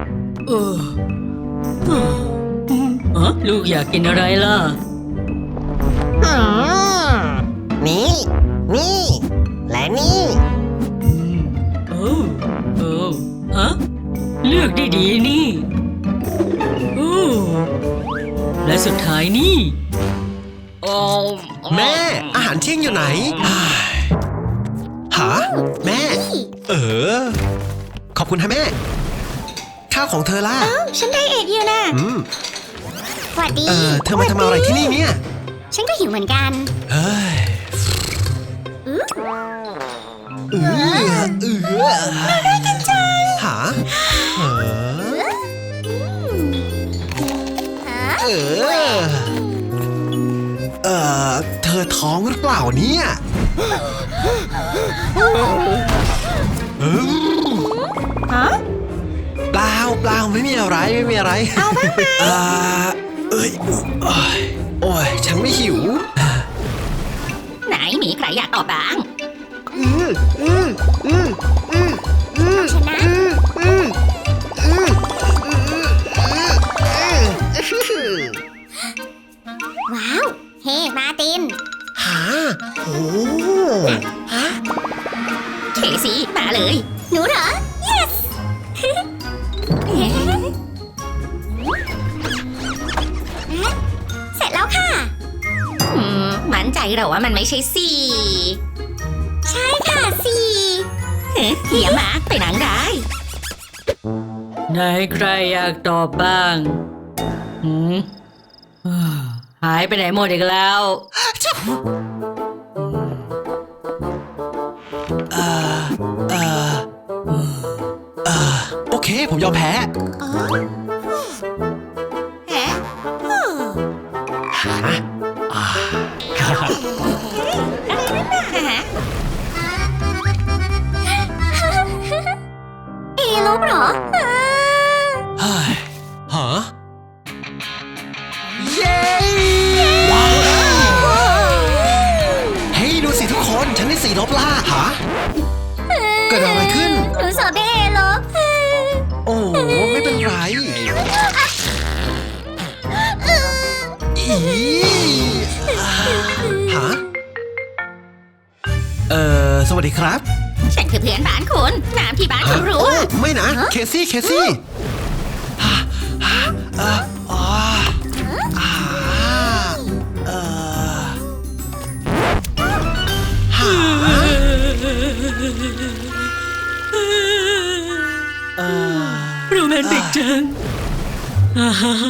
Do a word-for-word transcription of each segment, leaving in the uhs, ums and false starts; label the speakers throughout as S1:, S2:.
S1: เออเออเออลูกอยากกินอะไรล่ะ
S2: อืมนี่นี่และนี่
S1: โอ้โอ้ฮะเลือกได้ดีนี่โอ้และสุดท้ายนี่โอ้
S3: แม่อาหารเที่ยงอยู่ไหนหาแม่เออขอบคุณฮะแม่ข้าวของเธอล่ะ
S2: เอ้าฉันไดเอทอยู่นะ
S3: อืม
S2: สวัสดี
S3: เออเธอมาทำอะไรที่นี่เนี่ย
S2: ฉันก็หิวเหมือนกัน
S3: เฮ้ยเออเออ
S2: น่าได้กินจัง
S3: หาเออเออเออเธอท้องหรือเปล่าเนี่ย
S2: ฮะ
S3: เปล่าเปล่าไม่มีอะไรไม่มีอะไร
S2: เอาบ้างไหม
S3: อ่าเอ้ยโอ้ยฉันไม่หิว
S2: ไหนมีใครอยากตอบบ้าง
S3: อืมอืมอืมอืมอืม
S2: ชนะ
S3: อืมอืมอืม
S2: ว้าวเฮ้มาติน
S3: หาโอ้ฮะ
S2: เคซี่มาเลยหนูเหรอ yes เสร็จแล้วค่ะอืมมั่นใจเหรอว่ามันไม่ใช่สี่ใช่ค่ะสี่เฮียมาไปหนังได้
S1: ไหนใครอยากตอบบ้างหืมหายไปไหนหมดอีกแล้ว
S3: เออเออเออโอเคผมยอมแพ้
S2: ฮะเอรู้เหรอ
S3: เฮ้ยฮะเย้ว้าวเฮ้ยดูสิทุกคนฉันได้สี่ลบล่าฮะเกิดอะไรขึ้น
S2: หนูสอบได้เอลบ
S3: โอ้ไม่เป็นไรอีฮะเอ่อสวัสดีครับ
S2: ฉันคือเพื่อนบ้านคุณน้ำที่บ้านคุณรู้
S3: ไม่นะเคซี่เคซี่เอออ๋ออ่าเออฮะเออ
S1: โรแมนติกจังอ่าฮะ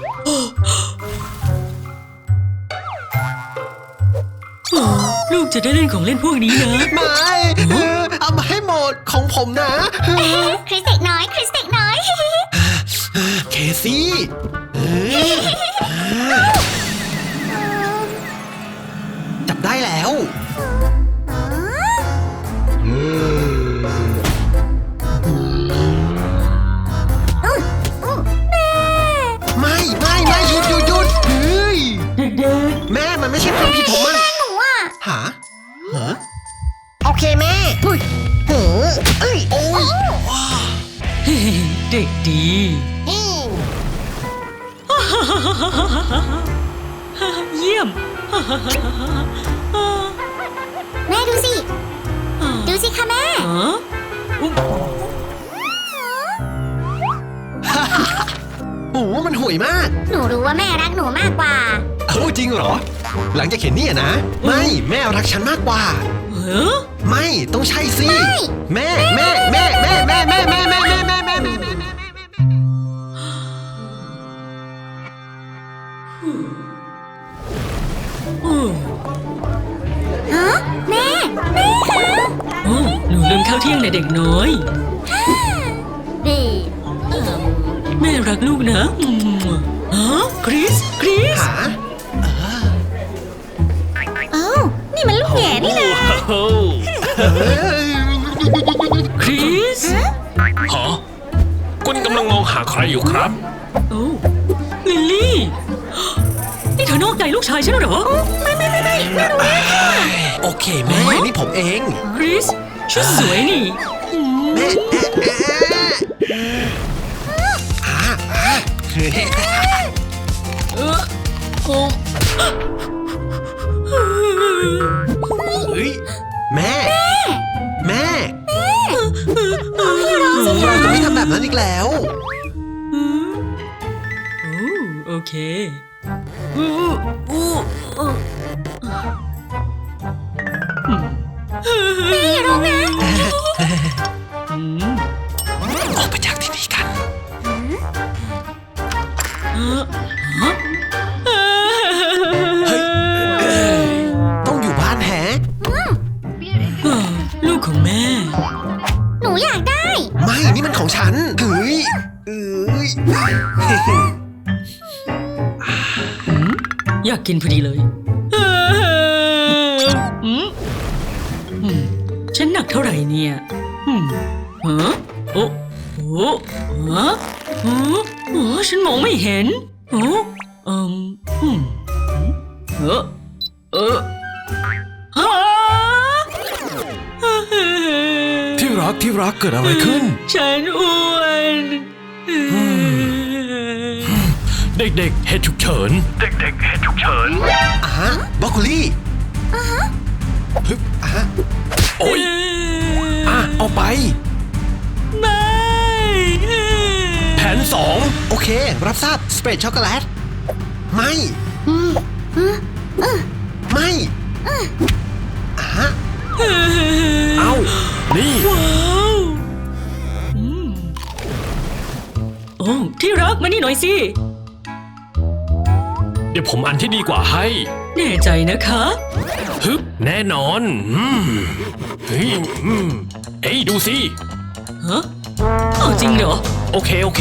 S1: ลูกจะได้เล่นของเล่นพวกนี้นะ
S3: ไม่เอามาให้หมดของผมนะ
S2: คริสเด็กน้อยคริสเด็กน้อย
S3: เคซี่จับได้แล้วไม่ไม่ไม่หยุดหยุดหยุดเฮ้ยแม่มันไม่ใช่ความผิดผมมัน
S2: หนูอ่ะ
S3: หาฮะโอเคแม่เฮ้ยเฮ้ยเอ้ยโอ้ย
S1: เด็กดีเยี่ยม
S2: แม่ดูสิดูสิค่ะแม่
S3: โอ้มันห่วยมาก
S2: หนูรู้ว่าแม่รักหนูมากกว่า
S3: เอ้าจริงเหรอหลังจากเห็นนี่นะไม่แม่รักฉันมากกว่าไม่ต้องใช่สิแม่แม่แม่แม่แม่แม่แม่แม่แม่แม่แม่แม่แม่
S2: ฮะแม่แม่คะ
S1: โอ้หนูลืมข้าวเที่ยงในเด็กน้อยแม่รักลูกนะฮะคริสคริส
S2: เอ้านี่มันลูกแง่นี่นะ
S1: คริส
S4: ฮะคุณกำลังมองหาใครอยู่ครับ
S1: โอ้ลิลลี่นี่เธอนอกใจลูกชายฉันเหรอ
S2: ไม่ไม่ไม่ไม่ไม่รู้ค่ะ
S3: โอเคแม่นี่ผมเอง
S1: คริสชุดสวยนี่
S3: แม่
S1: เออโอ้
S3: เฮ้ยแม่ แม่ เราจะไม่ทำแบบนั้นอีกแล้ว
S1: โอ้โอเคอู้อู้อู้ไม่รู้นะอืม
S3: ออกไปจากที่นี่กัน
S1: เออฮะ
S3: ต้องอยู่บ้านแฮะ
S1: เออลูกของแม่
S2: หนูอยากได้
S3: ไม่ นี่มันของฉัน เฮ้ยเอ้ย
S1: อยากกินพอดีเลยเอออืมอืมฉันหนักเท่าไหร่เนี่ยอืมฮะโอ้โอ้ฮะฮะอ๋อฉันมองไม่เห็นโอ้เอืมอืมเออเออฮะ
S4: ที่รักที่รักเกิดอะไรขึ้น
S1: ฉันอ้วน
S4: เด็กๆเหตุฉุกเฉิน เด็กๆเหตุฉุกเฉิน
S3: อ่ะฮะบรอกโคลี่อ่ะฮะฮึบอ่ะฮะ
S4: โอ๊ยอ่ะเอาไป
S1: ไม่
S4: แผนสอง
S3: โอเค รับทราบ สเปรดช็อกโกแลต ไม่ ไม่ อ่ะฮะ
S4: เอานี่
S1: ว้าวอืมโอ้ที่รักมานี่หน่อยสิ
S4: เดี๋ยวผมอันที่ดีกว่าให้
S1: แน่ใจนะคะ
S4: ฮึบแน่นอนอืมเฮ้ยอืมเฮ้ยดูสิ
S1: ฮะเอาจริงเหรอ
S4: โอเคโอเค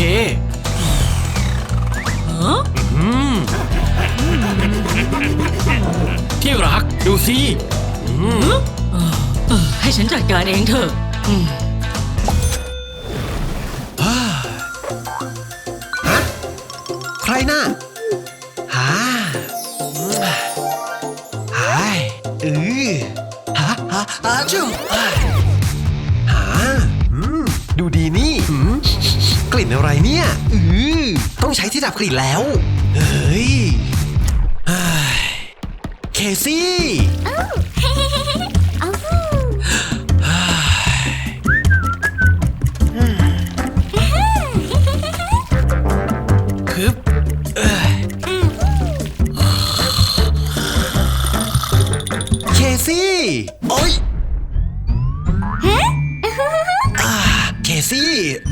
S1: ฮะ
S4: อืมที่รักดูสิอืม
S1: เออเออให้ฉันจัดการเองเถอะอืม
S3: ใครน่ะหาหายเออหาหาหาจุ๊บหาอืมดูดีนี่อืมกลิ่นอะไรเนี่ยอือต้องใช้ที่ดับกลิ่นแล้ว เฮ้ยเฮ้ยเคซี่
S2: เอา
S3: คึบเอ้ยเคซี่โอ๊ยอ่าเคซี่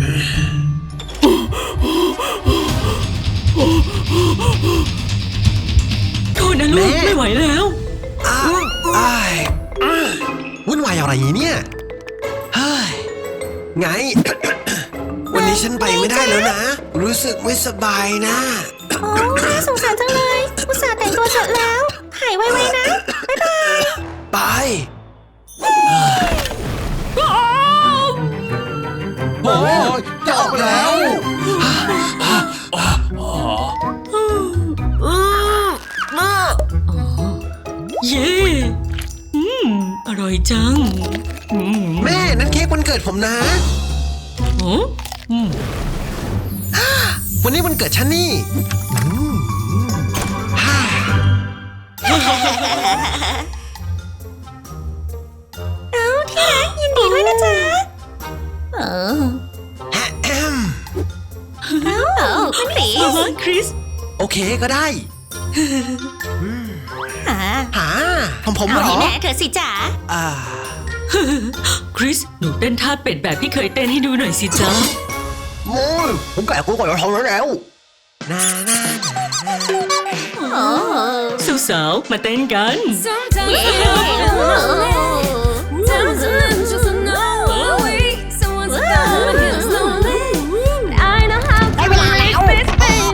S1: โทษนะลูก
S3: แม่
S1: ไม่ไหวแล้ว
S3: อ้าวอ้ายอ้าวุ่นวายอะไรเนี่ยเฮ้ยไง วันนี้ฉันไปไม่ได้แล้วนะ รู้สึกไม่สบายนะ
S2: โอ้น่าสงสารจังเลย อุตส่าห์แต่งตัวเสร็จแล้ว หายไวๆนะ บ๊ายบาย
S3: ไป โอ้ยจะออกแล้ว
S1: เย้อืมอร่อยจังอืม
S3: แม่นั่นเค้กวันเกิดผมนะ
S1: โอ้อืม
S3: วันนี้วันเกิดฉันนี่อืมฮ่า
S2: เอาที่รักยินดีด้วยนะจ๊ะเออ
S3: แฮะแอม
S2: เอาคุณคริ
S1: อ๋อ
S2: ส
S1: คริส
S3: โอเคก็ได้
S2: หา
S3: หาผมผม
S2: เอา
S3: เหร
S2: ให้
S3: อ
S2: แม่เธอสิจ๋า
S3: อ่า
S1: คริส หนูเต้นท่าเป็ดแบบที่เคยเต้นให้ดูหน่อยสิจ๊ะ
S3: โอ้ยผมแก่กูก่อนจะท้องแล้วแล้วนานา
S2: โอ้
S1: สาวๆมาเต้นกัน
S2: เย้
S5: Sometimes I'm just a no way. Someone's gonna get lonely. I know how to make this thing.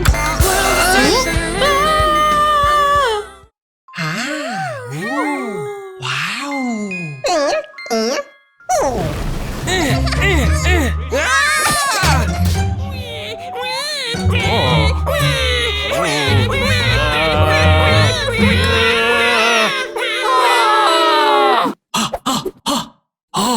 S3: หาโอ้ว้าว
S4: อ๋อ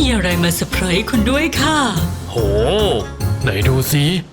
S1: มีอะไรมาเซอร์ไพรส์คุณด้วยค่ะ
S4: โห ไหนดูสิ